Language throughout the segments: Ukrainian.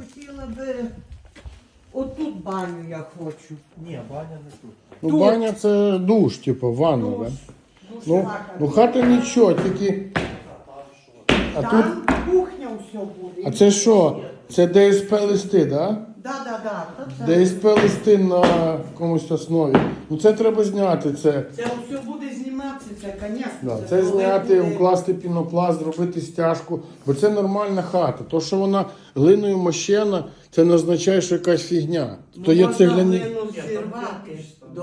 хотіла би... Отут баню я хочу. Ні, баня не тут. Ну, Тут. баня це душ, типу, ванна, Душ. да? Душ, Ну, ну хата нічого, тільки... А тут... Там кухня все буде. А це що? Це ДСП листи, да? Да. Це ДСП листи на якомусь основі. Ну це треба зняти, це. все буде зніматися, це, звісно. Да, це зняти, укласти пінопласт, зробити стяжку, бо це нормальна хата. То, що вона глиною мощена, це не означає, що якась фігня. То є цегляні... Зірвати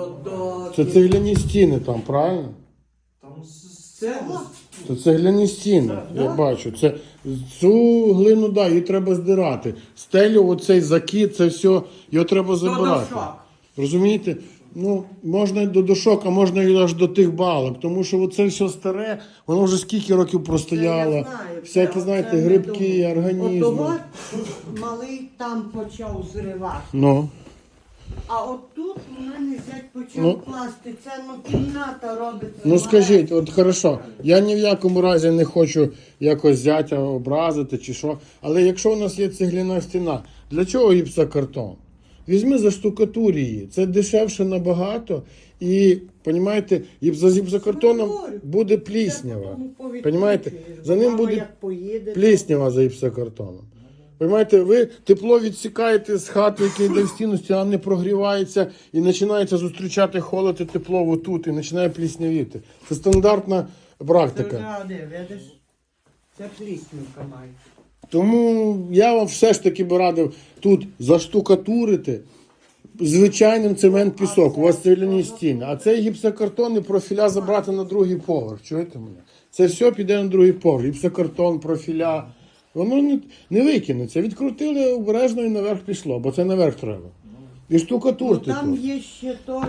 Це цегляні стіни там, правильно? Там Цегла? Це цегляні стіни, я бачу. Це, цю глину, да, її треба здирати. Стелю, оцей закид, це все, його треба забирати. дошок. Розумієте? Ну, можна і до дошок, а можна і аж до тих балок. Тому що оце все старе, воно вже скільки років простояло. Всякі, знаєте, грибки, організми. Отого малий там почав зривати. Ну. А от тут у мене зять почав Ну. класти. Це кімната робиться. Ну скажіть, от хорошо, я ні в якому разі не хочу якось зятя образити чи що, але якщо у нас є цегляна стіна, для чого гіпсокартон? Візьми заштукатур її, це дешевше набагато і, розумієте, за гіпсокартоном буде пліснява. Понімаєте? За ним буде пліснява за гіпсокартоном. Понимаєте, ви тепло відсікаєте з хати, яка йде в стіну, стіна не прогрівається і починається зустрічати холод і тепло отут, і починає пліснявіти. Це стандартна практика. Видиш? Це пліснівка має. Тому я вам все ж таки би радив тут заштукатурити звичайним цемент-пісок. У вас цегляні стіни. А цей гіпсокартон і профіля забрати на другий поверх. Чуєте мене? Це все піде на другий поверх. Гіпсокартон, профіля. Воно не викинеться. Відкрутили обережно і наверх пішло, бо це наверх треба. І штукатурти Ну, там тут. є ще теж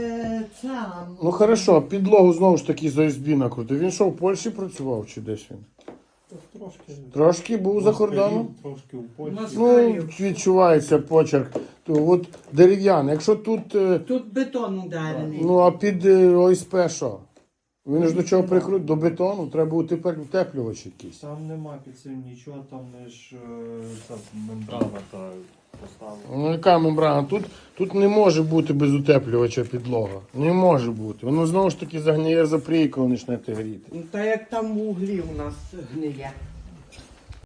ця. Ну хорошо, підлогу знову ж таки за СБ накрутив. Він що, в Польщі працював чи десь він? Трошки. Трошки був за кордоном? Трошки у Польщі. Ну, відчувається почерк. То от дерев'яний. Якщо тут, Тут бетон ударений. ну а під ОСП що? Він ж до чого прикрутив? До бетону треба утеплювач якийсь. Там нема під цим нічого, там лише ця мембрана та поставлена. Ну яка мембрана? Тут не може бути без утеплювача підлога. Не може бути. Воно знову ж таки загниє за коли почнете гріти. Ну, та як там в углі у нас гниє.